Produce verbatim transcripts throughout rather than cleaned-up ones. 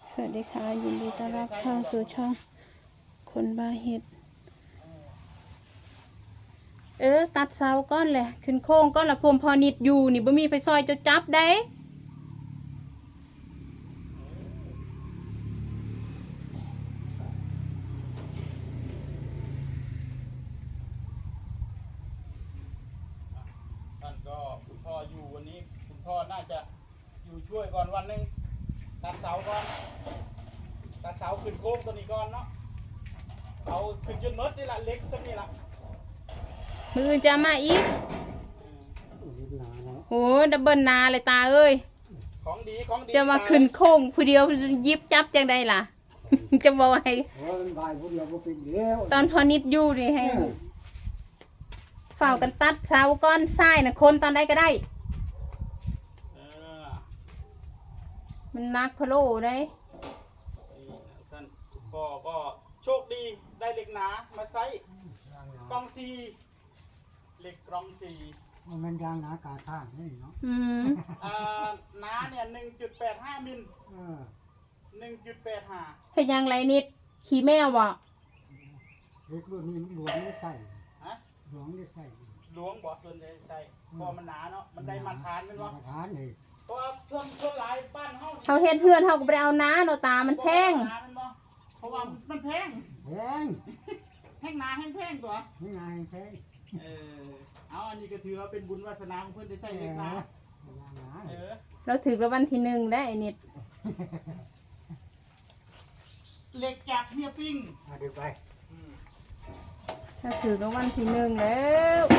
สวัสดีค่ะยินดีต้อนรับเข้าสู่ช่องคนบาเฮ็ดเออตัดเสาก้อนแหละขึ้นโค้งก้อนละพรมพอนิดอยู่นี่บ่มีไปซอยจะจับได้ท่านก็คุณพ่ออยู่วันนี้คุณพ่อน่าจะอยู่ช่วยก่อนวันหนึ่งตัดเสาก่อนตัดเสาขึ้นโค้งตัวนี้ก่อนเนาะเอาขึ้นจนมดนี่แหละเล็กสักนี่ละมืออื่นจะมาอีกโอ้ดับเบิลนาเลยตาเอ้ยของดีของดีจะมาขึ้นโค้งผู้เดียวยิบจับจังได้ล่ะ จะบอกให้ตอนพอนิดอยู่นี่ให้เฝ้ากันตัดเสาก้อนทรายนะคนตอนใดก็ได้เออมันนักพะโลได้ท่านพ่อก็โชคดีได้เหล็กหนามาใส่กองซีเหล็กกรองซีมันยางหนากาท่างนี่เนาะอืมอ่าหนาเนี่ยหนึ่งจุดแปดห้ามิลเออหนึ่งจุดแปดห้าเฮ็ดยังไรนิดขี่แมวบ่เล็กรุ่นนี้หลวงไม่ใส่ฮะหลวงไม่ใส่หลวงบอกส่วนใหญ่ใส่พอมันหนาเนาะมันได้มาทานมันวะมาทานเลยเพราะว่าช่วงช่วงหลายบ้านเฮาเขาเฮ็ดเพื่อนเขาก็ไปเอาน้าเนาะตามันแพงเพราะว่ามันแพงแพงแพงหนาแพงแพงตัวไม่ไงแพงเออเอาอันนี้ก็ถือว่าเป็นบุญวาสนาของเพื่อนได้ใส่เล็กหนายางหนาเออเราถือรางวัลที่หนึ่งได้ไอ้นิดเหล็กจากเฮียปิ้งเอาเดี๋ยวไปอืมเราถือรางวัลที่หนึ่งแล้ว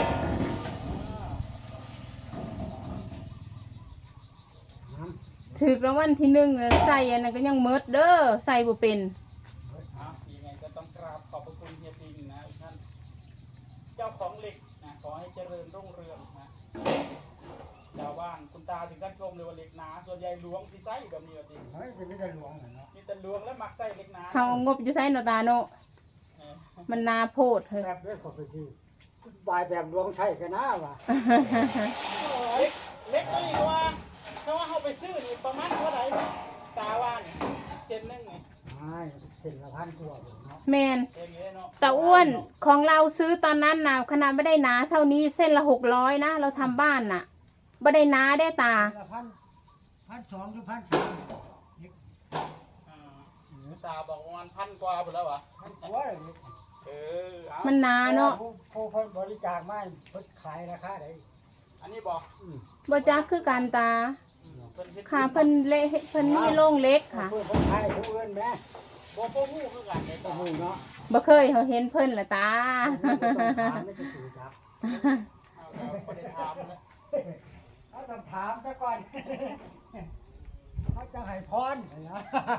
น้ถือรางวัลที่หนึ่งแล้วใส่อันนั้นก็ยังเมิดเด้อใส่บ่เป็นเอายังไงก็ต้องกราบขอบพระคุณเฮียปิ้งนะทุกท่านเจ้าของเหล็กนะขอให้เจริญรุ่งเรืองนะชาวบ้านคุณตาถึงกันชมเลยว่าเหล็กหนาส่วนใหญ่หลวงที่ใส่แบบนี้ก็สิำเฮ้ยจะไม่ได้หลวงเหรอเนาะมีแต่หลวงและมักใส่เหล็กหนาเขาเอางบอยู่ใส่เนาะตาเนาะเออมันนาโพดเฮ้ยแบบเล็กขอไปที่บายแบบหลวงใช่กันนะวะเล็กเล็กตัวนี้ก็ว่าเขาว่าเขาไปซื้อนี่ประมาณเท่าไหร่ตาว่านี่เซนหนึงนี่ไม่เส้นละพันกว่าเนาะแมนเองเงี้ยเนาะตาอ้วนของเราซื้อตอนนั้นน่ะขนาดไม่ได้หนาเท่านี้เส้นละหกร้อยนะเราทำบ้านน่ะไม่ได้หนาได้ตาเส้นละพันพันสองหรือพันสามอ่าตาบอกประมาณพันกว่าหมดแล้ววะพันกว่าเลยเออเอามันหนาเนาะผู้ผู้เพิ่นบริจาคมาเพิ่นขายราคาไหนอันนี้บอกอืมบ่จักคือกันตาอืมเพิ่นเฮ็ดค่ะเพิ่นเละเพิ่นมีโรงเล็กค่ะเพิ่นเพิ่นขายผู้อื่นแม่บ่บ่ฮู้คือกันเลยโอ้ตาโหเนาะบ่เคยเขาเห็นเพิ่นละตาไม่ต้องถามไม่ต้องถูกจับเอาแล้วบ่ได้ถามนะเขาต้องถามซะก่อนเขาจะให้พรนะ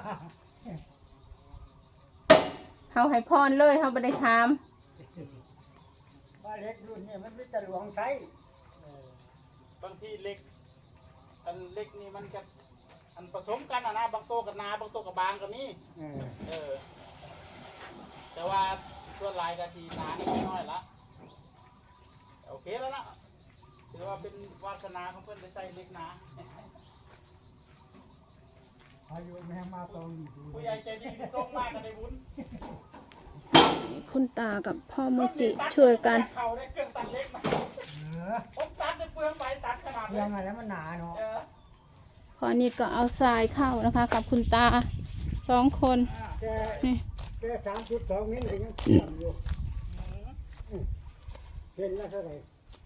เขาให้พรเลยเขาบ่ได้ถามว่าเล็กรุ่นนี้มันไม่จะหลวงใช้เออบางทีเล็กอันเล็กนี่มันจะอันผสมกันอ่ะนะบางโตกับหนาบางโตกับบางก็มีเออเออแต่ว่าตัวลายกะทีหนานี่ไม่น้อยละโอเคแล้วนะถือว่าเป็นวาสนาของเพื่อนได้ใส่เล็กหนาอายุแม่มาตรงอยู่ผู้ใหญ่ใจดีที่ส่งมากก็ได้บุญคุณตากับพ่อโมจิช่วยกันเขาได้เครื่องตัดเล็กมาเออผมตัดในเปลืองไปตัดขนาดเรื่องอะไรมันหนาเนาะเออพอนิดก็เอาทรายเข้านะคะ กับคุณตาสองคนแกนี่แกสามจุดสองมิลลิยังเชื่อมอยู่เป็นละเท่าไหร่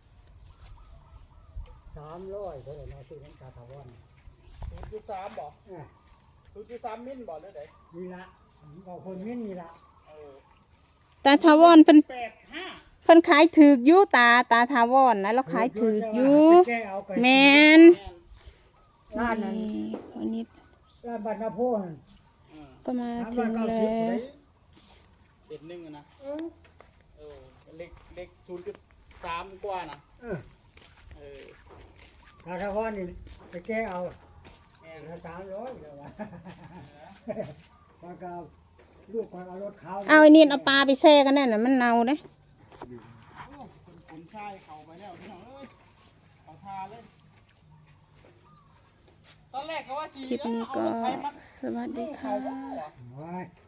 สามร้อยเท่าไหร่เนาะที่นั่นกาถาวรศูนย์จุดสามบอกเนี่ยศูนย์จุดสามมิลบอกเลยเด้นี่ละบอกคนมิลนี่ละเออตาทาวรเพิ่นแปดห้าเพิ่นขายถือกอยู่ตาตาทาวรนะเราขายถือกอยู่แกเอาไปแมนแม่นร้านนั้นนี่พอนิดร้านบัตรนาโพนอืมก็มาสามถึร้อยงเก้าแล้สิบวเลยเศษหนึ่งอะนะเออเออเล็กเล็กศูนย์จุดสามกว่านะเออเออกาถาวรนี่ไปแกเอาแม่นละสามร้อยเดี๋ยววะแล้วก็ลูกคนเอารถเขาเอาไอ้นิดเอาปลาไปแช่กันแน่น่ะมันเน่าเด้โอ้คนขุนชายเขาไปแล้วพี่น้องเอ้ยเขาทาเลย ตตอนแรกก็ว่าสีคลิปนี้เอาก็รถไฟมาสวัสดีเขาค่ะบ่โอ้ย